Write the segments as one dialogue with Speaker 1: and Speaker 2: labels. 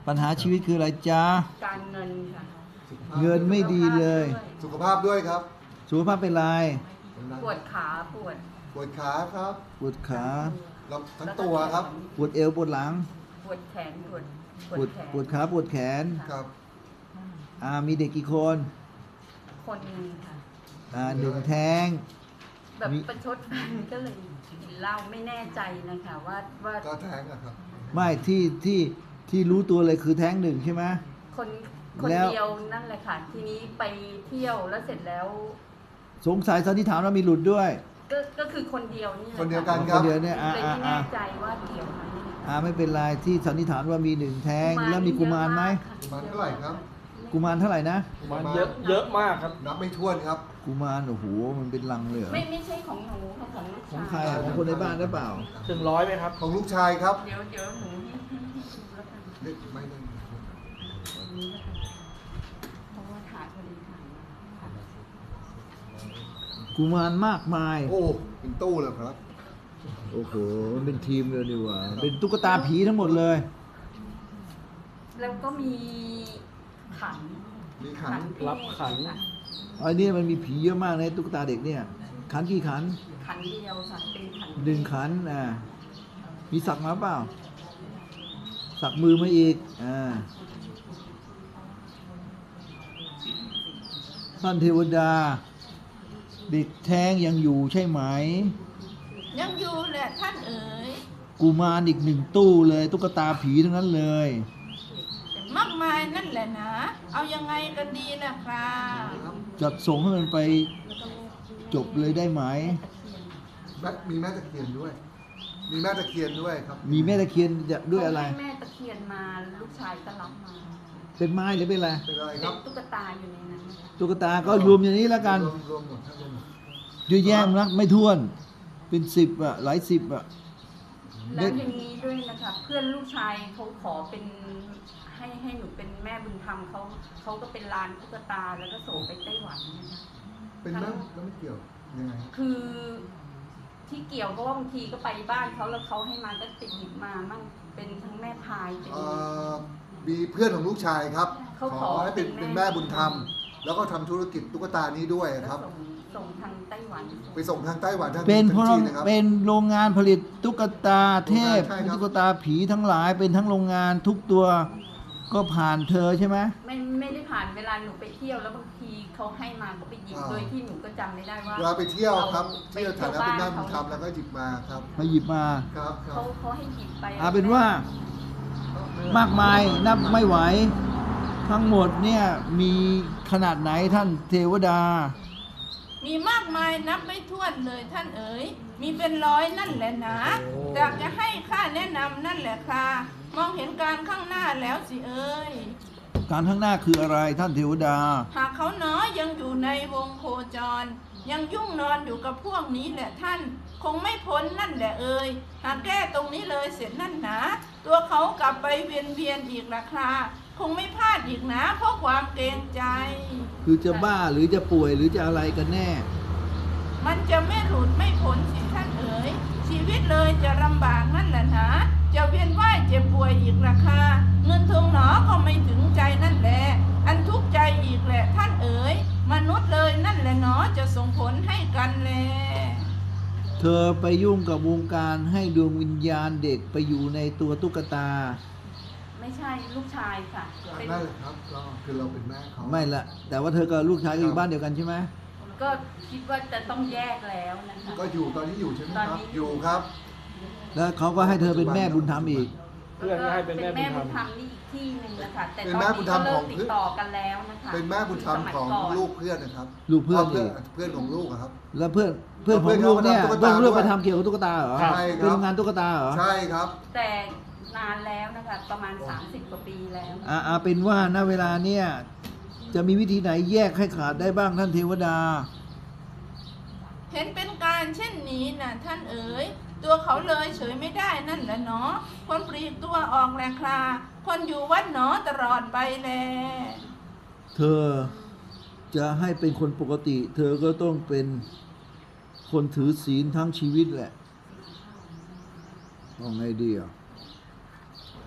Speaker 1: ปัญหาชีวิตคืออะไรจ๊ะ
Speaker 2: การเงินค่ะ
Speaker 1: เงินไม่ดีเลย
Speaker 3: สุขภาพด้วยครับ
Speaker 1: สุขภาพเป็นไร
Speaker 2: ปวดขาปวด
Speaker 3: ปวดขาครับ
Speaker 1: ปวดขา
Speaker 3: แล้วทั้งตัวครับ
Speaker 1: ปวดเอวปวดหลัง
Speaker 2: ปวดแขนปวด
Speaker 1: ปวด
Speaker 2: แขน
Speaker 1: ปวดขาปวดแขน
Speaker 3: ครับ
Speaker 1: มีเด็กกี่คน
Speaker 2: คนหนึงค่ะ
Speaker 1: หนึ่งแท้ง
Speaker 2: แบบ
Speaker 1: มี
Speaker 2: ประชดแฟนก็เลยกินเหล้าไม่แน่ใจนะคะว่า
Speaker 3: ก็แท้งอะครับ
Speaker 1: ไม่ที่รู้ตัวเลยคือแท้งหนึ่งใช่ไหม
Speaker 2: คน
Speaker 1: แล้ว
Speaker 2: เดียวนั่นแหละค่ะ ทีนี้ไปเที่ยวแล้วเสร็จแล้ว
Speaker 1: สงสัยสันนิษฐานว่ามีหลุดด้วย
Speaker 2: ก็คือคนเดียวนี่แหละ
Speaker 3: คนเดียวกัน
Speaker 1: คนเดียวเนี่ย
Speaker 2: เลยไม่แน่ใจว่าเกี่ยวไหม
Speaker 1: ไม่เป็นไรที่สันนิษฐานว่ามีหนึ่งแท้งแล้วมีกุมารไหม
Speaker 3: กุมารเท่าไหร่ครับ
Speaker 1: กุมารเท่าไหร่นะ
Speaker 4: มันเยอะมากครับ
Speaker 3: นับไม่ถ้วนครับ
Speaker 1: กุมารโอ้โหมันเป็นลังเลยเหรอ
Speaker 2: ไม่ใช่ของหนูค่ะของลูก
Speaker 1: ของ
Speaker 2: ชาย
Speaker 1: ใครของคนในบ้านหรือเปล่า
Speaker 4: ถึง100ไหมครับ
Speaker 3: ของลูกชายครับ
Speaker 2: เดี๋ยวหนูให้ดูแล้วกัน
Speaker 3: เด็กไม่ได้
Speaker 2: เพราะว่าถ่ายพอดีถ่ายมาค่ะ
Speaker 1: กุมารมากมาย
Speaker 3: โอ้เป็นตู้เลยครับ
Speaker 1: โอ้โหมันเป็นทีมเลยดีกว่าเป็นตุ๊กตาผีทั้งหมดเลย
Speaker 2: แล้วก็มีขัน
Speaker 3: มีขัน
Speaker 2: ที่
Speaker 4: รับขัน
Speaker 1: อันนี้มันมีผีเยอะมากในตุ๊กตาเด็กเนี่ยขันกี่ขัน
Speaker 2: ขันเดียวค่ะเป็นขัน
Speaker 1: หนึ่งขันมีสักมาเปล่า สักมือมาอีกท่านเทวดาเด็กแท้งยังอยู่ใช่ไหม
Speaker 5: ยังอยู่แหละท่านเอ๋ย
Speaker 1: กุมารอีกหนึ่งตู้เลยตุ๊กตาผีทั้งนั้นเลย
Speaker 5: มากมายนั่นแหละนะ เอายังไงกันดีล่ะครับ
Speaker 1: จัดส่งให้มันไปจบเลยได้ไหม
Speaker 3: มีแม่ตะเคียนด้วย มีแม่ตะเคียนด้วยครับ
Speaker 1: มีแม่ตะเคียนด้วยอะไร
Speaker 2: ให้แม่ตะเคียนมาลูกชายก็รับมา
Speaker 1: เป็นไม้หรือเป็นอะไร
Speaker 3: เป็นอะไรค
Speaker 2: เป็
Speaker 3: รั
Speaker 2: น
Speaker 3: บ
Speaker 2: ตุ๊กตาอยู่ในนั้นนะคะ
Speaker 1: ตุ๊กตาก็รวมอย่างนี้แล้วกัน
Speaker 3: รวมหมดทั้งรวมหมด
Speaker 1: เยอะแยะนักไม่ท้วน เป็น10หลาย10
Speaker 2: แล้วอย่างนี้ด้วยนะคะเพื่อนลูกชายเขาขอเป็นให้หนูเป็นแม่บุญธรรมเขาก็เป็นร้านตุ๊กตาแล้วก็ส่งไปไต้หวันนะคะ
Speaker 3: เป็นแม่แล้วไม่เกี่ยวยังไง
Speaker 2: คือที่เกี่ยวเพราะว่าบางทีก็ไปบ้านเขาแล้วเขาให้มาก็ติดหยิบมามั่งเป็นทั้งแม่พายเป็น
Speaker 3: มีเพื่อนของลูกชายครับ
Speaker 2: เขาขอ
Speaker 3: ให้เป็น
Speaker 2: เป็นแม่
Speaker 3: เป็นแม่บุญธรรม แล้วก็ทำธุรกิจตุ๊กตานี้ด้วย
Speaker 2: แล้ว
Speaker 3: ครับ
Speaker 2: ส่งทางไต้หวัน
Speaker 3: ไปส่งทางไต้หวันทาง
Speaker 1: เป็น
Speaker 3: ทางจีนนะครับ
Speaker 1: เป็นโรงงานผลิตตุ๊กตาเทพ
Speaker 3: ใช่ครับ
Speaker 1: ตุ๊กตาผีทั้งหลายเป็นทั้งโรงงานทุกตัวก็ผ่านเธอใช่ไหม
Speaker 2: ไม่ได้ผ่านเวลาหนูไปเที่ยวแล้วบางทีเขาให้มาก็ไปหยิบโดยที่หนูก็จำไม่ได้ว่า
Speaker 3: เวลาไปเที่ยวครับ
Speaker 2: ไป
Speaker 3: เที่ยวฐานะ
Speaker 2: เที่
Speaker 3: เป็น
Speaker 2: ยว
Speaker 3: แม่
Speaker 2: บ้าน
Speaker 3: บุญธรรมแล้วก็หยิบมาครับ
Speaker 1: มาหยิบมา
Speaker 3: ครับครั
Speaker 2: เขา
Speaker 3: บ
Speaker 2: เขาให้หยิบไป
Speaker 1: เป็นว่ามากมายนับไม่ไหว ทั้งหมดเนี่ยมีขนาดไหนท่านเทวดา
Speaker 5: มีมากมายนับไม่ถ้วนเลยท่านเอ๋ย มีเป็นร้อยนั่นแหละนะอยากจะให้ข้าแนะนำนั่นแหละค่ะ มองเห็นการข้างหน้าแล้วสิเอ๋ย
Speaker 1: การข้างหน้าคืออะไรท่านเทวดา
Speaker 5: หากเขาน้อยยังอยู่ในวงโคจร ยังยุ่งนอนอยู่กับพวกนี้แหละท่าน คงไม่พ้นนั่นแหละเอ่ยหากแก้ตรงนี้เลยเสร็จนั่นหนาตัวเขากลับไปเวียนอีกราคาคงไม่พลาดอีกนะเพราะความเกรงใจ
Speaker 1: คือจะบ้าหรือจะป่วยหรือจะอะไรกันแน่
Speaker 5: มันจะไม่หลุดไม่พ้นสิท่านเอ๋ยชีวิตเลยจะลำบากนั่นแหละนะจะเวียนว่ายเจ็บป่วยอีกราคาเงินทองหนอก็ไม่ถึงใจนั่นแหละอันทุกข์ใจอีกแหละท่านเอ๋ยมนุษย์เลยนั่นแหละหนอจะส่งผลให้กันแล
Speaker 1: เธอไปยุ่งกับวงการให้ดวงวิญญาณเด็กไปอยู่ในตัวตุ๊กตา
Speaker 2: ไม่ใช่ลูกชายค่ะเป็น
Speaker 3: นั่นแหละครับก็คือเราเป็นแม่เขา
Speaker 1: ไม่ละแต่ว่าเธอกับลูกชายก็อยู่บ้านเดียวกันใช่ไหม
Speaker 2: ก็คิดว่าจะต้องแยกแล้วนะคะ
Speaker 3: ก็อยู่ตอนนี้อยู่ใช่ไหมค
Speaker 2: ตอ
Speaker 3: รั
Speaker 2: น
Speaker 3: บ
Speaker 2: นี้
Speaker 3: อยู่ครับ
Speaker 1: แล้วเขาก็ให้เธอเป็นแม่บุญธรรมอีก
Speaker 4: เพื่อนก็ให้เป็นแม่บุญธรรม
Speaker 2: เป็นแม่บุญธรรมนี่อีกที่หนึ่งนะคะแต่
Speaker 3: เป็น
Speaker 2: ตอน
Speaker 3: แม่บุ
Speaker 2: นี้
Speaker 3: ญธร
Speaker 2: ก็
Speaker 3: รม
Speaker 2: เลิ
Speaker 3: ข
Speaker 2: ก
Speaker 3: อง
Speaker 2: ติดต่อกันแล้วนะคะ
Speaker 3: เป็นแม่บุญธรรม
Speaker 2: สมัย
Speaker 3: ของ
Speaker 2: ก่น
Speaker 3: ลูกเพื่อนนะครับ
Speaker 1: ลูกเพื่อนอีก
Speaker 3: เพื่อนของลูกอะครับ
Speaker 1: แล้วเพื่อนของลูกเนี่ย
Speaker 3: เพื่
Speaker 1: เพื่
Speaker 3: อ
Speaker 1: อน น
Speaker 3: ของลู
Speaker 1: ลู
Speaker 3: ก
Speaker 1: ก
Speaker 3: ก็
Speaker 1: ไป
Speaker 3: ทำ
Speaker 1: ทำเกี่ยวกับตุ๊กตาเหรอ
Speaker 3: ใช่ครับ
Speaker 1: เป็นโรงงานตุ๊กตาเหรอ
Speaker 3: ใช่ครับ
Speaker 2: แต่นานแล้วนะคะประมาณ30 กว่าปีแล้ว
Speaker 1: เป็นว่าณเวลาเนี่ยจะมีวิธีไหนแยกให้ขาดได้บ้างท่านเทวดา
Speaker 5: เห็นเป็นการเช่นนี้นะท่านเอ๋ยตัวเขาเลยเฉยไม่ได้นั่นแหละเนาะคนปลีกตัวออกแหละคราคนอยู่วัดหนอตลอดไปแล
Speaker 1: เธอจะให้เป็นคนปกติ เธอก็ต้องเป็นคนถือศีลทั้งชีวิตแหละเอาไงดีอ่ะ
Speaker 5: ก็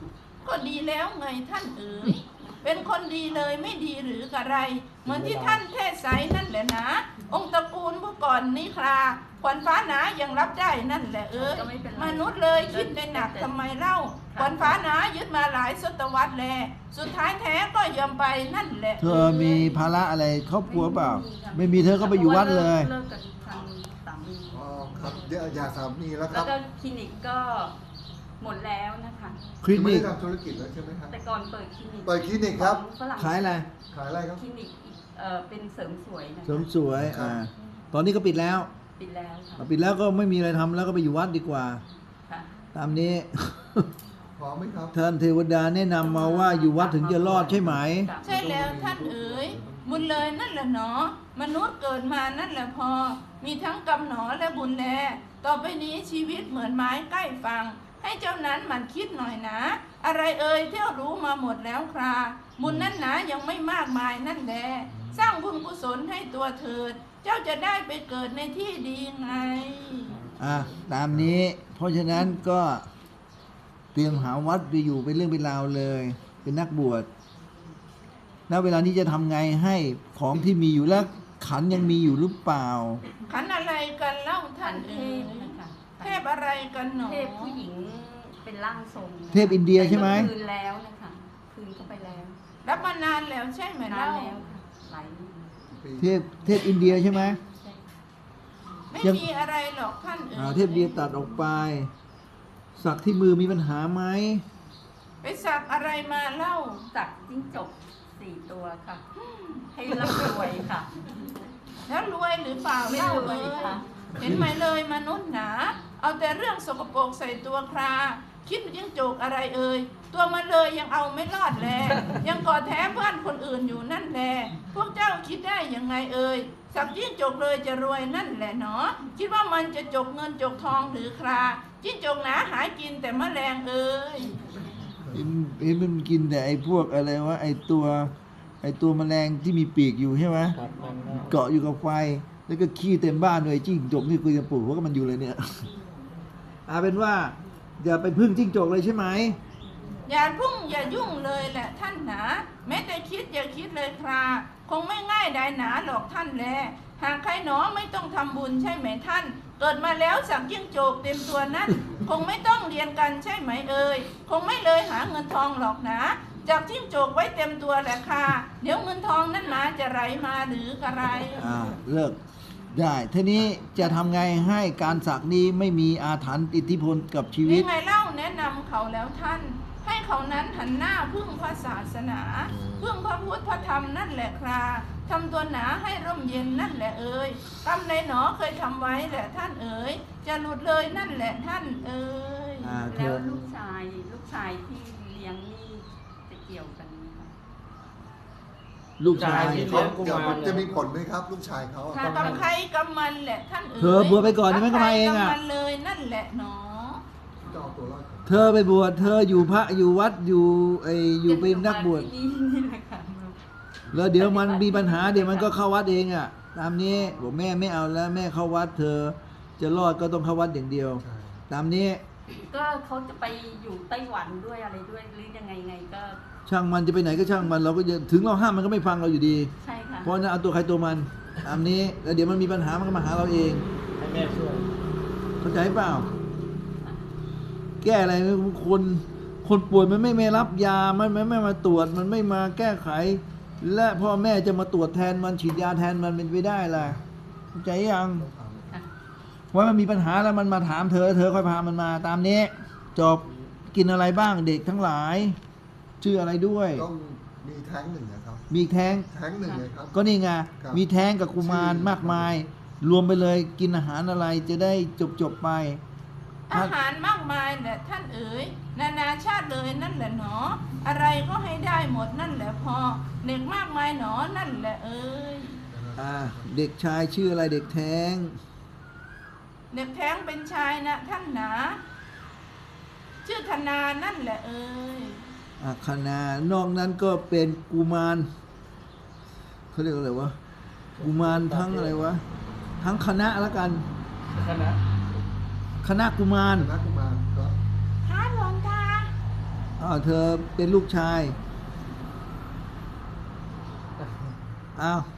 Speaker 5: ก็ดีแล้วไงท่านเอ๋ยเป็นคนดีเลยไม่ดีหรือกระไร เหมือนที่ท่านเทศไสนั่นแหละนะ องค์ตระกูลเมื่อก่อนนี้คราขวัญฟ้าหนายังรับได้นั่นแหละเอ๋ยมนุษย์เลยคิดได้หนักทำไมเล่าขวัญฟ้าหนายึดมาหลายศตวรรษแลสุดท้ายแท้ก็ยอมไปนั่นแหละ
Speaker 1: เธอมีภาระอะไรครอบครัวเปล่า ไม่มีเธอก็ไปอยู่วัดเลย
Speaker 2: เลิกกับทางสามี
Speaker 3: อ๋อครับเดี๋ยวอย่าสามีแล้วค
Speaker 2: แล้
Speaker 3: รั
Speaker 2: ว
Speaker 3: บ
Speaker 2: ก็คลินิกก็หมดแล้วนะคะ
Speaker 1: คลิ
Speaker 3: ไม่
Speaker 1: นิ
Speaker 3: ได้
Speaker 1: ก
Speaker 3: ทำธุรกิจแล้วใช่ไหมครับ
Speaker 2: แต่ก่อนเปิดคลินิก
Speaker 3: เปิดคลินิกครับ
Speaker 2: ของฝรั่ง
Speaker 1: ขายอะไร
Speaker 3: ขายอะไรครับ
Speaker 2: คลินิกเป็นเสริมสวยนะคะ
Speaker 1: เสริมสวยตอนนี้ก็ปิดแล้ว
Speaker 2: ปิดแล้วค่ะ
Speaker 1: ปิดแล้วก็ไม่มีอะไรทำแล้วก็ไปอยู่วัดดีกว่า
Speaker 2: ค่ะ
Speaker 1: ตามนี้
Speaker 3: พร้อมไหมครับ
Speaker 1: ท่านเทวดาแนะนำมาว่าอยู่วัดถึงจะรอดใช่ไหม
Speaker 5: ใช่แล้วท่านเอ๋ยบุญเลยนั่นแหละหนอมนุษย์เกิดมานั่นแหละพอ มีทั้งกรรมหนอและบุญแลต่อไปนี้ชีวิตเหมือนไม้ใกล้ฝั่งให้เจ้านั้นหมันคิดหน่อยนะ อะไรเอ่ยเที่ยวรู้มาหมดแล้วคราบุญนั่นหนายังไม่มากมายนั่นแหละสร้างบุญกุศลให้ตัวเถิด เจ้าจะได้ไปเกิดในที่ดีไง
Speaker 1: ตามนี้ เพราะฉะนั้นก็เตรียมหาวัดไปอยู่เป็นเรื่องเป็นราวเลย เป็นนักบวชณเวลานี้จะทำไงให้ของที่มีอยู่แล้วขันยังมีอยู่หรือเปล่า
Speaker 5: ขันอะไรกันเล่าท่า
Speaker 2: ท่าน
Speaker 5: น
Speaker 2: เท
Speaker 5: เอ๋
Speaker 2: พ
Speaker 5: ย
Speaker 2: นะคะ
Speaker 5: เทพอะไรกันหนอ
Speaker 2: เทพผู้หญิงเป็นร่างทรง
Speaker 1: เทพอินเดียใช่ไหม
Speaker 2: คืนแล้วนะคะคืนเข้าไปแล้ว
Speaker 5: รับมานานแล้วใช่ไหม
Speaker 2: นาน
Speaker 5: เล่า
Speaker 2: แล้วค่ะหลาย
Speaker 1: เทพอินเดียใช่ไหม
Speaker 2: ใช่
Speaker 5: ไม่
Speaker 1: ยัง
Speaker 5: มีอะไรหรอกท่านเอ๋ย
Speaker 1: เทพอินเดียตัดออกไป สักที่มือมีปัญหาไหม
Speaker 5: ไปสักอะไรมาเล่า
Speaker 2: จากจิ้งจก4 ตัวค่ะ ให้ร่ำรวยค่ะ
Speaker 5: แล้วรวยหรือเปล่า
Speaker 2: ไม่
Speaker 5: เล่าร
Speaker 2: วย
Speaker 5: เลย
Speaker 2: ค่ะ
Speaker 5: เห็นไหมเลยมนุษย์หนา เอาแต่เรื่องสกปรกใส่ตัวคราคิดยิ่งโจกอะไรเอ่ยตัวมันเลยยังเอาไม่รอดแล ยังกอดแท้เพื่อนคนอื่นอยู่นั่นแลพวกเจ้าคิดได้ยังไงเอ่ยสักยิ่งจกเลยจะรวยนั่นแหละเนาะคิดว่ามันจะจกเงินจกทองหรือคราจิ้งจกหนาหากินแต่แมลงเอ่ย
Speaker 1: มันกินแต่ไอ้พวกอะไรวะไอ้ตัวแมลงที่มีปีกอยู่ใช่ไหม
Speaker 4: ครับมันก็
Speaker 1: เกาะอยู่กับไฟ แล้วก็ขี้เต็มบ้านเลยจิ้งจกนี่คุยจะปลูกหัวกับมันอยู่เลยเนี่ย เป็นว่าอย่าไปพึ่งจิ้งจกเลยใช่ไหม
Speaker 5: อย่าพุ่งอย่ายุ่งเลยแหละท่านหนาแม้แต่คิดอย่าคิดเลยคราคงไม่ง่ายได้หนาหรอกท่านแลหากใครหนอไม่ต้องทำบุญใช่ไหมท่าน เกิดมาแล้วสักยิ่งโจกเต็มตัวนั้น คงไม่ต้องเรียนกันใช่ไหมเอ่ยคงไม่เลยหาเงินทองหรอกนะจากจิ้งโจกไว้เต็มตัวแหละค่ะเดี๋ยวเงินทองนั้นมาจะไหลมาหรือกระไร
Speaker 1: เลิกได้ทีนี้จะทำไงให้การสักนี้ไม่มีอาถรรพ์อิทธิพลกับชีวิต
Speaker 5: ยังไงเล่าแนะนำเขาแล้วท่าน ให้เขานั้นหันหน้าพึ่งพระศาสนา พึ่งพระพุทธพระธรรมนั่นแหละคราทำตัวหนาให้ร่มเย็นนั่นแหละเอ่ยกรรมในหนอเคยทำไว้แหละท่านเอ๋ยจะหลุดเลยนั่นแหละท่านเอ๋ย
Speaker 2: แล้วลูกชายที่เลี้ยงนี่จะเกี่ยวกันไหมคะ
Speaker 1: ลูกชาย
Speaker 4: ที่
Speaker 3: เขา
Speaker 4: เลี้ยงกุมาร
Speaker 3: จะมีผลไหมครับ ลูกชายเขาอะ
Speaker 5: ถ้ากำใครกำมันแหละท่านเอ๋ย
Speaker 1: เธอบวชไปก่อนนี่มันก็มาเองอะ
Speaker 5: กำมันเลยนั่นแหละหนอ
Speaker 3: จะเอาตัวรอดก่อน
Speaker 1: เธอไปบวชเธออยู่พระอยู่วัดอยู่เป็นนักบวช
Speaker 2: ที่นี่แหละค่ะ
Speaker 1: แล้วเดี๋ยวมันมีปัญหาเดี๋ยวมันก็เข้าวัดเองอ่ะ ตามนี้บอกแม่ไม่เอาแล้วแม่เข้าวัดเธอ จะรอดก็ต้องเข้าวัดอย่างเดียว
Speaker 3: ใช่
Speaker 1: ตามนี้
Speaker 2: ก็เขาจะไปอยู่ไต้หวันด้วยอะไรด้วยหรือยังไงก็
Speaker 1: ช่างมันจะไปไหนก็ช่างมันเราก็จะถึงเราห้ามมันก็ไม่ฟังเราอยู่ดี
Speaker 2: ใช่ค่ะ
Speaker 1: เพราะฉะนั้นเอาตัวใครตัวมัน ตามนี้แล้วเดี๋ยวมันมีปัญหามันก็มาหาเราเอง
Speaker 4: ให้แม่ช่วย
Speaker 1: เข้าใจเปล่า แก้อะไรคนป่วยมันไม่รับยามันไม่มาตรวจมันไม่มาแก้ไข และพ่อแม่จะมาตรวจแทนมันฉีดยาแทนมันเป็นไปได้ล่ะเข้าใจยัง
Speaker 3: ต้องทำ
Speaker 2: ค่ะ
Speaker 1: ว่ามันมีปัญหาแล้วมันมาถามเธอค่อยพามันมา ตามนี้จบกินอะไรบ้างเด็กทั้งหลาย ชื่ออะไรด้วย
Speaker 3: ต้องมีแท้งหนึ่งนะครับ
Speaker 1: มีแท้ง
Speaker 3: แท้งหนึ่งเลยครับ
Speaker 1: ก็นี่ไง
Speaker 3: ครับ
Speaker 1: มีแท้งกับกุมารมากมาย รวมไปเลยกินอาหารอะไรจะได้จบไป
Speaker 5: อาหารมากมายแหละท่านเอ๋ยนานาชาติเลยนั่นแหละหนอ อะไรก็ให้ได้หมดนั่นแหละพอเด็กมากมายหนอนั่นแหละเอ๋ย
Speaker 1: เด็กชายชื่ออะไรเด็กแท้ง
Speaker 5: เด็กแท้งเป็นชายนะท่านหนา ชื่อธนานั่นแหละเอ๋ย
Speaker 1: คณะนอกนั้นก็เป็นกุมารเขาเรียกอะไรวะกุมารทั้งอะไรวะทั้งคณะแล้วกัน
Speaker 4: คณะ
Speaker 1: คณะกุมาร
Speaker 3: คณะกุมารครับ
Speaker 5: ฮะหลวงตา
Speaker 1: เธอเป็นลูกชายอ้าว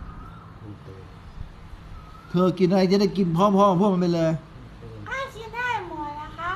Speaker 1: เธอกินอะไรจะได้กินพร้อมๆพวกมันไปเลย
Speaker 5: กินได้หมดนะครับ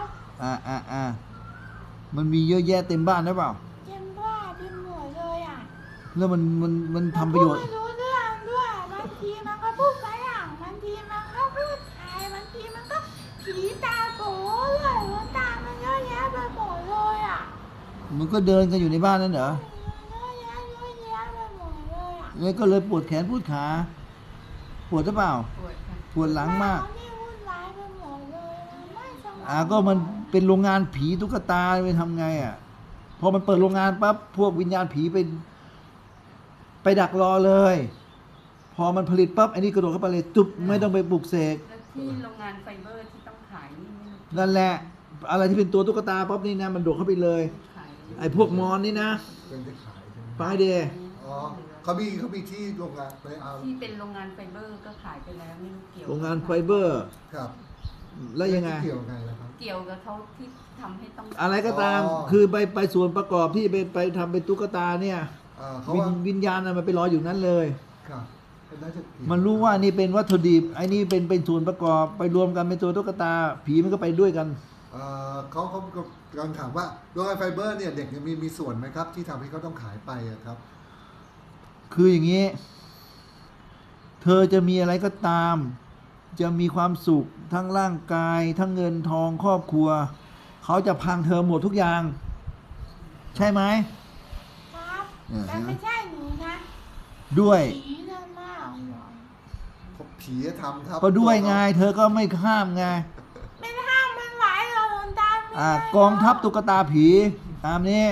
Speaker 1: มันมีเยอะแยะเต็มบ้านหรือเปล่า
Speaker 5: เต็มบ้านเต็มหมดเลยอ่ะ
Speaker 1: แล้วมันทำประโยชน์
Speaker 5: ไม่รู้เรื่องด้วยบางทีมันก็พูดฝรั่งบางทีมันก็พูดไทยบางทีมันก็ผีตาโตเลยหลวงตามันเยอะแยะไปหมดเลยอ่ะ
Speaker 1: มันก็เดินกันอยู่ในบ้านนั่นเหรอ
Speaker 5: เยอะแยะไปหมดเลยอ่ะ
Speaker 1: แล้วก็เลยปวดแขนปวดขา ปวดหรือเปล่า
Speaker 2: ปวดค่ะ
Speaker 1: ปวดหลังมาก
Speaker 5: นี่วุ่นวายไปหมดเลยมันไม่สงบ
Speaker 1: ก็มันเป็นโรงงานผีตุ๊กตาไปทำไงพอมันเปิดโรงงานปั๊บพวกวิญญาณผีไปดักรอเลย พอมันผลิตปั๊บไอ้นี่กระโดดเข้าไปเลยจุบไม่ต้องไปปลุกเสก
Speaker 2: แล้วที่โรงงานไฟเบอร์ที่ต้องขายนี่ไม่รู้
Speaker 1: นั่นแหละ อะไรที่เป็นตัวตุ๊กตาปั๊บนี่นะมันโดดเข้าไปเลย
Speaker 2: ขาย
Speaker 1: ไอ้พวกมอนนี่นะ
Speaker 3: เป็นที่ขายใช่ไหม
Speaker 1: ไปเดย์
Speaker 3: อ๋อเขามีที่โรงงานไปเอา
Speaker 2: ที่เป็นโรงงานไฟเบอร์ก็ขายไปแล้วไม่รู้เกี่ยว
Speaker 1: โรงงานไฟเบอร์
Speaker 3: ครับ
Speaker 1: แล้วยังไง
Speaker 3: เกี่ยวไงล่ะครับ
Speaker 2: เกี่ยวกับเขาที่ทำให้ต้อง
Speaker 1: อะไรก็ตาม
Speaker 3: อ๋อ
Speaker 1: คือไปส่วนประกอบที่ไปทำเป็นตุ๊กตาเนี่ย
Speaker 3: เขา
Speaker 1: วิญ
Speaker 3: ว่า
Speaker 1: วิญญาณน่ะมันไปรออยู่นั้นเลย
Speaker 3: ครับน่าจะเกี่ยว
Speaker 1: มันรู้ว่านี่เป็นวัตถุดิบไอ้นี่เป็นส่วนประกอบไปรวมกันเป็นตัวตุ๊กตา ผีมันก็ไปด้วยกัน
Speaker 3: เขากำลังถามว่าโรงงานไฟเบอร์เนี่ยเด็กเนี่ยมีส่วนไหมครับ ที่ทำให้เขาต้องขายไปอะครับ
Speaker 1: คืออย่างนี้ เธอจะมีอะไรก็ตาม จะมีความสุขทั้งร่างกาย ทั้งเงินทองครอบครัว เขาจะพังเธอหมดทุกอย่าง ใช่ไหม
Speaker 5: ครับ
Speaker 1: อ่าฮะ
Speaker 5: แต่ไม่ใช่หนูนะ
Speaker 1: ด้วย
Speaker 5: ผีนั่นมากเลย
Speaker 3: ผีทำครับ
Speaker 1: ก็ด้วยไง เธอก็ไม่ห้ามไง
Speaker 5: ไม่ห้ามมันไหวหรอกหลวงตาไม่ได้
Speaker 1: กองทัพตุ๊กตาผีตามนี้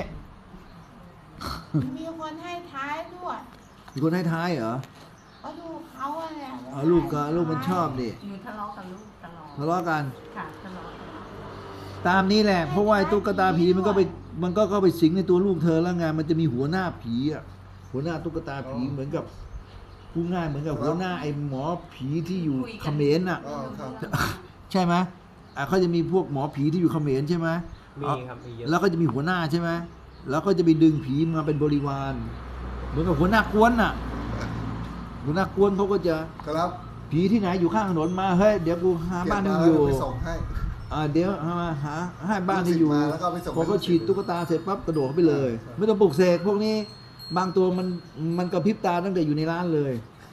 Speaker 5: มีคนให้ท้ายด้วย
Speaker 1: มีคนให้ท้ายเหรอ
Speaker 5: ก็ลูกเขาอะแหละ
Speaker 1: ลูกมันชอบดิ
Speaker 2: หนูทะเลาะกับลูกตลอด
Speaker 1: ทะเลาะกัน
Speaker 2: ค่ะทะเลาะกัน
Speaker 1: ตามนี้แหละ เพราะว่าไอ้ตุ๊กตาผีมันก็เข้าไปสิงในตัวลูกเธอแล้วไงมันจะมีหัวหน้าผีหัวหน้าตุ๊กตาผีเหมือนกับพูดง่ายเหมือนกับหัวหน้าไอ้หมอผีที่อยู่เขมรใช่ไหมเขาจะมีพวกหมอผีที่อยู่เขมรใช่ไหม
Speaker 4: มีครับมีเยอะ
Speaker 1: แล้วก็จะมีหัวหน้าใช่ไหมแล้วก็จะไปดึงผีมาเป็นบริวารเหมือนกับหัวหน้ากวนหัวหน้ากวนเขาก็จะ
Speaker 3: ครับ
Speaker 1: ผีที่ไหนอยู่ข้างถนนมาเฮ้ยเดี๋ยวกูหาบ้าน
Speaker 3: เก็
Speaker 1: ให้
Speaker 3: บ
Speaker 1: มึงอยู่
Speaker 3: มาแล้วไปส่งให้
Speaker 1: เดี๋ยวหาให้บ้านให้อยู่
Speaker 3: ลูกศิษย์มาแล้วก็เอาไปส่ง
Speaker 1: พอเขา
Speaker 3: ให้ลูกศิษย์
Speaker 1: ฉีดตุ๊กตาเสร็จปั๊บกระโดดเข้าไปเลย
Speaker 3: ใช่
Speaker 1: ไม่ต้องปลุกเสกพวกนี้บางตัวมันกระพริบตาตั้งแต่อยู่ในร้านเลย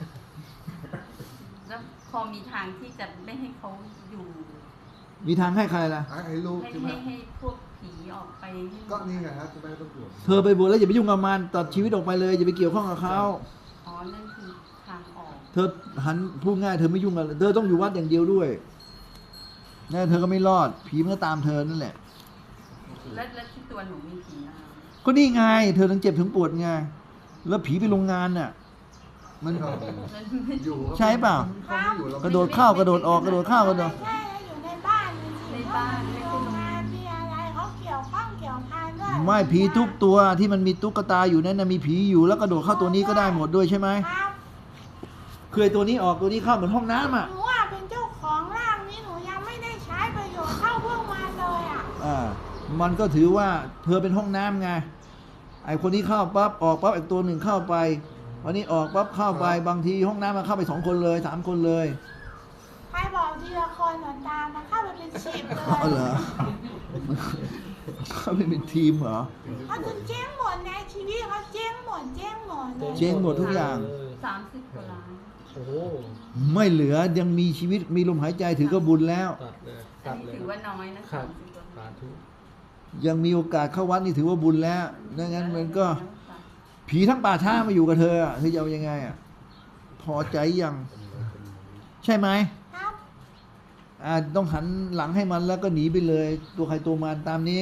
Speaker 2: แล้วพอมีทางที่จะไม่ให้เขาอยู่
Speaker 1: มีทางให้ใครล่ะ
Speaker 3: ให้ลูก
Speaker 2: ให้
Speaker 3: ใช่ไหม
Speaker 2: ให้พวกผีออกไปให้
Speaker 3: ก็นี่ไงครับจะไม่ต้องตรวจ
Speaker 1: เธอไปบวชแล้วอย่าไปยุ่งกับมันตัดชีวิตออกไปเลยอย่าไปเกี่ยวข้องกับเขา
Speaker 2: อ๋อนั่นคือทางออก
Speaker 1: เธอหันพูดง่ายเธอไม่ยุ่งกับเธอต้องอยู่วัดอย่างเดียวด้วยนั่นเธอก็ไม่รอดผีมันก็ตามเธอนั่นแหละ
Speaker 2: แล้วที่ตัวหนูมีผีอะไร
Speaker 1: ก็นี่ไง เธอถึงเจ็บถึงปวดไงแล้วผีไปโรงงานน่ะมัน
Speaker 3: อยู่ครับ
Speaker 1: ใช่เปล่า
Speaker 3: เขาไม่อยู่เรา
Speaker 1: กระโดดเข้ากระโดดออกกระโดดเข้ากระโดด
Speaker 5: ใช่แล้วอยู่ในบ้านมีสิ่งเขามีโรงงานมีอะไรเขาเกี่ยวข้องเกี่ยวพันด้วย
Speaker 1: ไม่ผีทุกตัวที่มันมีตุ๊กตาอยู่นั่นนะมีผีอยู่แล้วกระโดดเข้าตัวนี้ก็ได้หมดด้วยใช่ไหม
Speaker 5: ครับ
Speaker 1: คือไอ้ตัวนี้ออกตัวนี้เข้าเหมือนห้องน้ำอ่ะ
Speaker 5: หนูอ่ะเป็นเจ้าของร่างนี้หนูยังไม่ได้ใช้ประโยชน์เท่าพวกมันเลยอ่ะ
Speaker 1: มันก็ถือว่าเธอเป็นห้องน้ำไงไอ้คนนี้เข้าปั๊บออกปั๊บอีกตัวหนึ่งเข้าไปวันนี้ออกปั๊บเข้าไปบางทีห้องน้ำมันเข้าไป2 คนเลย3 คนเลย
Speaker 5: ใครบอกทีละคนหนูตามมันเข้าไปเป็น10เลย
Speaker 1: อ๋อเหรอ เขาเป็นทีมเหรอ
Speaker 5: เขาจะเจ๊งหมดในชีวิตเขาเจ๊งหมดเลย
Speaker 1: เจ๊งหมดทุกอย่าง
Speaker 2: 30 กว่าล้าน
Speaker 4: โอ้โห
Speaker 1: ไม่เหลือยังมีชีวิตมีลมหายใจถือก็บุญแล้ว
Speaker 4: ตัดเลย
Speaker 2: อั
Speaker 4: ตั
Speaker 2: น
Speaker 4: ด
Speaker 2: นี้
Speaker 4: เลย
Speaker 2: ถือว่าน้อยนะ
Speaker 4: ครั
Speaker 2: 30
Speaker 4: บ
Speaker 2: กว่า
Speaker 4: สา
Speaker 2: ล้าน
Speaker 4: ธุ
Speaker 1: ยังมีโอกาสเข้าวัดนี่ถือว่าบุญแล้วดังนั้นมันก็ผีทั้งป่าช้ามาอยู่กับเธอเธอจะเอายังไงพอใจยังใช่ไหม
Speaker 5: ครับ
Speaker 1: ต้องหันหลังให้มันแล้วก็หนีไปเลย ตัวใครตัวมันตามนี้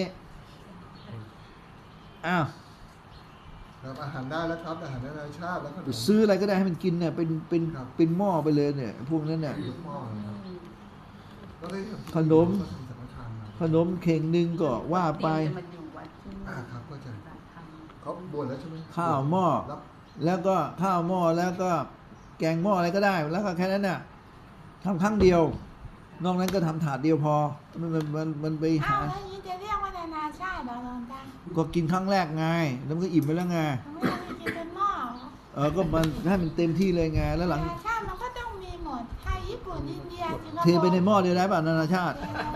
Speaker 1: อ้าว
Speaker 3: ครับอาหารได้แล้วครับอาหารนานาชาติแล้วก็
Speaker 1: ซื้ออะไรก็ได้ให้มันกินเนี่ยเป็น
Speaker 3: ครับ
Speaker 1: เป็นหม้อไปเลยเนี่ย พวกนั้นเนี่ย
Speaker 3: ลูกหม้อนะครับก็ได้
Speaker 1: ขนม
Speaker 3: ก็ทำสังฆทานมา
Speaker 1: ขนมเข่งหนึ่งก็ว่าไป
Speaker 2: จะมาอยู่วัดที่นี่
Speaker 3: ครับเข้าใจ
Speaker 2: ปฏิบัติธรรม
Speaker 3: เขาบวชแล้วใช่ไหม
Speaker 1: ข้าวหม้อ
Speaker 3: รับ
Speaker 1: แล้วก็ข้าวหม้อแล้วก็แกงหม้ออะไรก็ได้ แล้วก็แค่นั้นน่ะทำครั้งเดียว นอกนั้นก็ทำถาดเดียวพอมันไป
Speaker 5: อ้า
Speaker 1: หา
Speaker 5: วแล้วนี้จะเรียกว่านานาชาติเหรอหลวงตา
Speaker 1: ก็กินครั้งแรกไง แล้วมันก็อิ่มไปแล้วไง
Speaker 5: ไม่ได้กินเป็นหม้อเหรอ
Speaker 1: ก็มันให้มันเต็มที่เลยไง แล้วหลัง
Speaker 5: นานาชาติมันก็ต้องมีหมดไทยญี่ปุ่นอินเดียสิงคโปร์
Speaker 1: เทไปในหม้อเดียวได้ป่ะนานาชาติ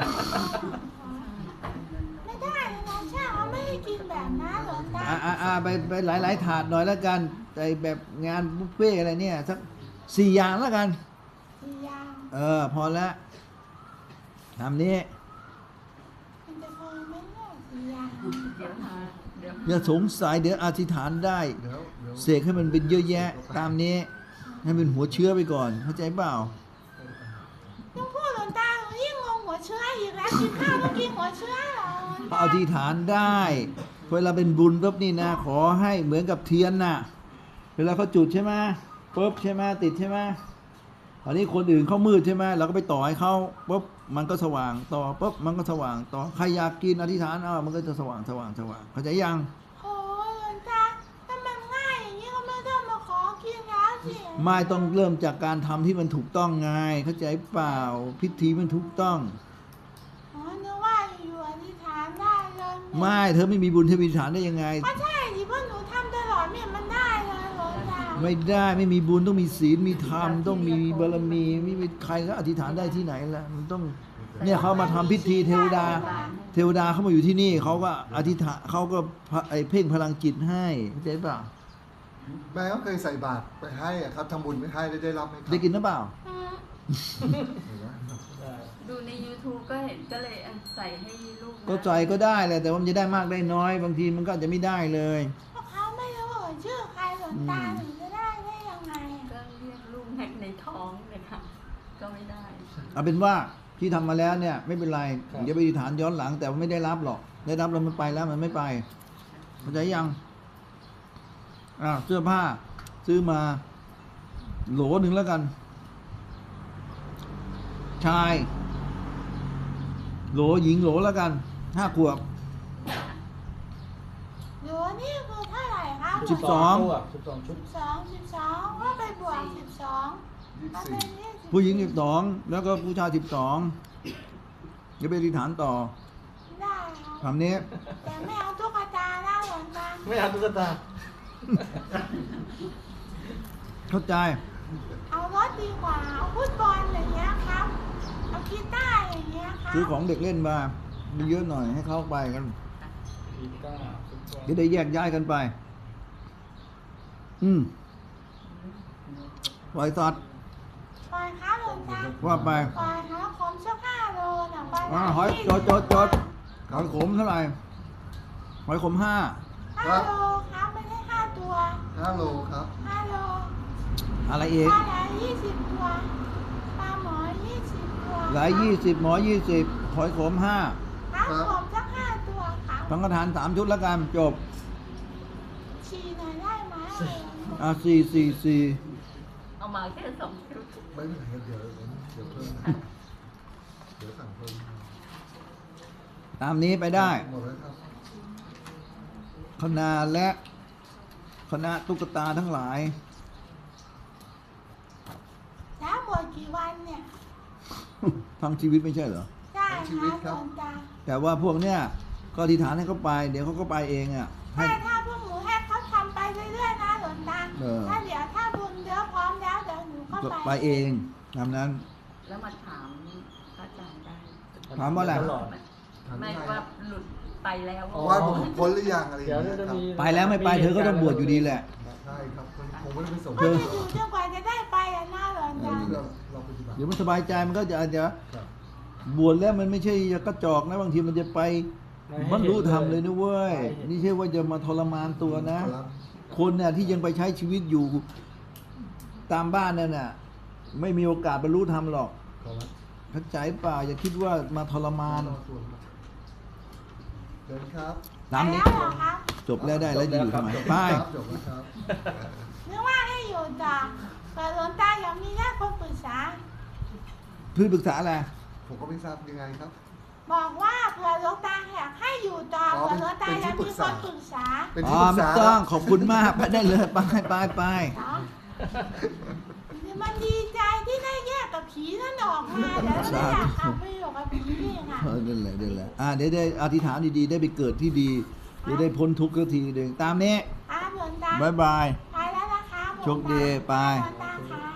Speaker 5: ไม่ได้นานาชาติเขาไม่ให้กินแบบนั้นหลวงตา
Speaker 1: ไปหลายถาดหน่อยแล้วกันไอแบบงานบุฟเฟ่อะไรเนี่ยสัก4 อย่างแล้วกัน
Speaker 5: สี่อย่าง
Speaker 1: พอแล้วทำนี้
Speaker 5: มันจะพอไหมเนี่ยสี่อย่าง
Speaker 2: เดี๋ยวหาเดี๋ยว
Speaker 1: อย่าสงสัยเดี๋ยวอธิษฐานได้
Speaker 3: เดี๋ยว
Speaker 1: เสกให้มันเป็นเยอะแยะ ตามนี้ ให้เป็นหัวเชื้อไปก่อน เข้าใจเปล่า
Speaker 5: ต้องพูดหลวงตาหนูยิ่งงงหัวเชื้ออีกแล้วกินข้าวต้องกินหัวเชื้อเหรอหลวงตา
Speaker 1: อธิษฐานได้เวลาเป็นบุญปุ๊บนี่นะ ขอให้เหมือนกับเทียนน่ะ เวลาเขาจุดใช่ไหมปุ๊บใช่ไหมติดใช่ไหมตอนนี้คนอื่นเขามืดใช่ไหมเราก็ไปต่อให้เขาปุ๊บมันก็สว่างต่อปุ๊บมันก็สว่างต่อใครอยากกินอธิษฐานมันก็จะสว่างเข้าใจยัง
Speaker 5: โอ้ยหลวงตาถ้ามันง่ายอย่างนี้ก็ไม่ต้องมาขอกินแล้วสิ
Speaker 1: ไม่ต้องเริ่มจากการทำที่มันถูกต้องไงเข้าใจเปล่าพิธีมันถูกต้อง
Speaker 5: อ๋อนึกว่าอยู่อธิษฐานได้เลย
Speaker 1: ไม่เธอไม่มีบุญเธอมีอธิษฐานได้ยังไง
Speaker 5: ก็ใช่ดิเพราะหนูทำตลอดเนี่ยมันได้เลยหลวงตา
Speaker 1: ไม่ได้ไม่มีบุญต้องมีศีลมีธรรมต้องมีบารมีไม่มีใครก็อธิษฐานได้ที่ไหนล่ะมันต้องเนี่ยเขามาทำพิธีเทวดาเขามาอยู่ที่นี่เขาก็อธิษฐานเขาก็เพ่งพลังจิตให้เข้าใจเปล่า
Speaker 3: แม่ก็เคยใส่บาตรไปให้อะครับทำบุญไม่ให้ได้รับไหมครับ
Speaker 1: ได้กินหรือเปล่า
Speaker 5: อืม
Speaker 3: เห็นไหม
Speaker 4: ได้
Speaker 2: ดูใน YouTube ก็เห็นก็เลยใส่ให้ลูกนะ
Speaker 1: ก็ใจก็ได้แหละแต่ว่ามันจะได้มากได้น้อย บางทีมันก็อาจจะไม่ได้เลย
Speaker 5: เพราะเขาไม่รู้ชื่อใครหลวงตาหนูจะได้ยังไงอะ
Speaker 2: ก็เรียกลูกในท้องเลยค่ะก็ไม่ได้
Speaker 1: เอาเป็นว่าที่ทำมาแล้วเนี่ยไม่เป็นไรอย่าไปอธิษฐานย้อนหลังแต่ว่าไม่ได้รับหรอกได้รับแล้วมันไปแล้วมันไม่ไปเข้าใจยังเสื้อผ้าซื้อมาโหลหนึ่งแล้วกัน ชายโหลหญิงโหลแล้วกัน5 ขวบ
Speaker 5: หนูนี่คือเท่าไหร่ครับ
Speaker 1: สิบสอง
Speaker 4: ตัว12 ชุด
Speaker 5: 12ว่าไปบวก12ก็เป็น20
Speaker 1: ผู้หญิง12แล้วก็ผู้ชาย12อย่าไปอธิษฐานต่อ
Speaker 5: ได้ครับ
Speaker 1: คำนี้
Speaker 5: แต่ไม่เอาตุ๊กตานะหลวงตา
Speaker 4: ไม่เอาตุ๊กตา
Speaker 1: เข้าใจ
Speaker 5: เอารถดีกว่าเอาฟุตบอลอย่างเงี้ยครับเอากีตาร์อย่างเงี้ยครับ
Speaker 1: ซื้อของเด็กเล่นมาเยอะหน่อยให้เข้าไปกัน
Speaker 4: กีตาร์ฟุตบอล
Speaker 1: จะได้แยกย้ายกันไป ปล่อยสัตว์
Speaker 5: ปล่อยครับหลวงตา
Speaker 1: ว่าไป
Speaker 5: ปล่อยครับผมสัก5 โลนะปล่อย
Speaker 1: หอยจดหอยขมเท่าไหร่หอยขม5
Speaker 5: 5 โลครับไม่ใช่5 ตัว
Speaker 3: 5 โลครับ
Speaker 5: 5 โล
Speaker 1: อะไร
Speaker 5: ป
Speaker 1: อีก
Speaker 5: ลาไหล20 ตัวปลาหมอ20 ตัว
Speaker 1: หลาย20หมอ20หอยขม5
Speaker 5: ครับผมสัก5 ตัวครับ
Speaker 1: สังฆทาน3 ชุดแล้วกันจบ
Speaker 5: ฉี่หน่อยได้ไหม
Speaker 1: 4
Speaker 2: เอามาแค่2 ชุด
Speaker 3: ไม่เป็นไรครับเดี๋ยวเพิ่มเดี๋ยวสั่งเพิ่ม
Speaker 1: ตามนี้ไปได้
Speaker 3: หมดแล้วครับ
Speaker 1: คณะและคณะตุ๊กตาทั้งหลาย
Speaker 5: แล้วบวชกี่วันเนี่ย
Speaker 1: ทั้งชีวิตไม่ใช่เหรอ
Speaker 5: ได้ครับหลวงตา
Speaker 1: แต่ว่าพวกเนี้ยก็อธิษฐานให้เขาไป เดี๋ยวเขาก็ไปเองอ่ะให้
Speaker 5: ถ้าพวกหนูให้เขาทำไปเรื่อยๆนะหลวงตา ถ้าเดี๋ยวถ้าบุญเดี๋ยวพร้อมแล้วเดี๋ยวหนูก็
Speaker 1: ก็
Speaker 5: ไป
Speaker 1: ไปเองตามนั้น
Speaker 2: แล้วมาถามพระอาจารย์ได้
Speaker 1: ถามว่าอะไร
Speaker 4: ตลอด
Speaker 2: ไม่ว่าหลุดไปแล้ว
Speaker 3: ว่าผมพ้นหรือยังอะไรอย่าง
Speaker 4: เดี๋ยว
Speaker 3: เงี้ย
Speaker 4: จะ
Speaker 3: ครับ
Speaker 4: มี
Speaker 1: ไปแล้วไม่ไปเธอก็ต้องบวชอยู่ดีแหละ
Speaker 3: ใช่ครับคงไม่ได้ไปส่ง
Speaker 5: ก็จะอยู่จนกว่าจะได้ไปอะนะหลวงตา
Speaker 3: เราปฏิบัติ
Speaker 1: เดี๋ยวมันสบายใจมันก็จะอาจจะ
Speaker 3: ครับ
Speaker 1: บวชแล้วมันไม่ใช่กระจอกนะบางทีมันจะไปบรรลุธรรมเลยนะเว้ยนี่ใช่ว่าจะมาทรมานตัวนะ
Speaker 3: ครับ
Speaker 1: คนเนี่ยที่ยังไปใช้ชีวิตอยู่ตามบ้านนั่นน่ะไม่มีโอกาสบรรลุธรรมหรอก
Speaker 3: ขอรับ
Speaker 1: เข้าใจเปล่าอย่าคิดว่ามาทรมาน
Speaker 3: เดินครับ
Speaker 1: ตามนี้
Speaker 5: ไปแล้วเหรอครับ
Speaker 1: จบแล้วได้แล้วจะอยู่ทำไมไป
Speaker 3: ครับจบแล้วครับ
Speaker 5: นึกว่าให้อยู่ต่อแต่หลวงตาอยากมีญาติคนปรึกษา
Speaker 1: เพื่อปรึกษาอะไร
Speaker 3: ผมก็ไม่ทราบยังไงครับ
Speaker 5: บอกว่าเผื่อหลวงตาอยากให้อยู่ต่อ
Speaker 3: อ๋อ
Speaker 5: เผื่อหลวงตา
Speaker 3: เป็น
Speaker 5: อยาก
Speaker 3: ที่ปรึ
Speaker 5: มี
Speaker 3: ก
Speaker 5: ค
Speaker 3: ษา
Speaker 5: นปรึกษา
Speaker 3: เป็น
Speaker 1: อ๋
Speaker 3: ที่
Speaker 1: อ
Speaker 3: ปรึก
Speaker 1: ไม่
Speaker 3: ษา
Speaker 1: ต้องขอบคุณมากไปได้เลยไป
Speaker 5: เนาะมันดีใจที่ได้แยกกับผีนั่นออกมาเดี๋ยวไม่อยากกลับไปอยู่กับผีนี่ค่ะ
Speaker 1: นั่นแหละเดี๋ยวได้อธิษฐานดีๆได้ไปเกิดที่ดีจะได้พ้นทุกข์สักทีหนึ่งตามนี้
Speaker 5: ครับหลวงตา
Speaker 1: บ๊ายบาย
Speaker 5: ไปแล้วนะคะหลวงตา
Speaker 1: โชคดีไป
Speaker 5: หลวงตาค่ะ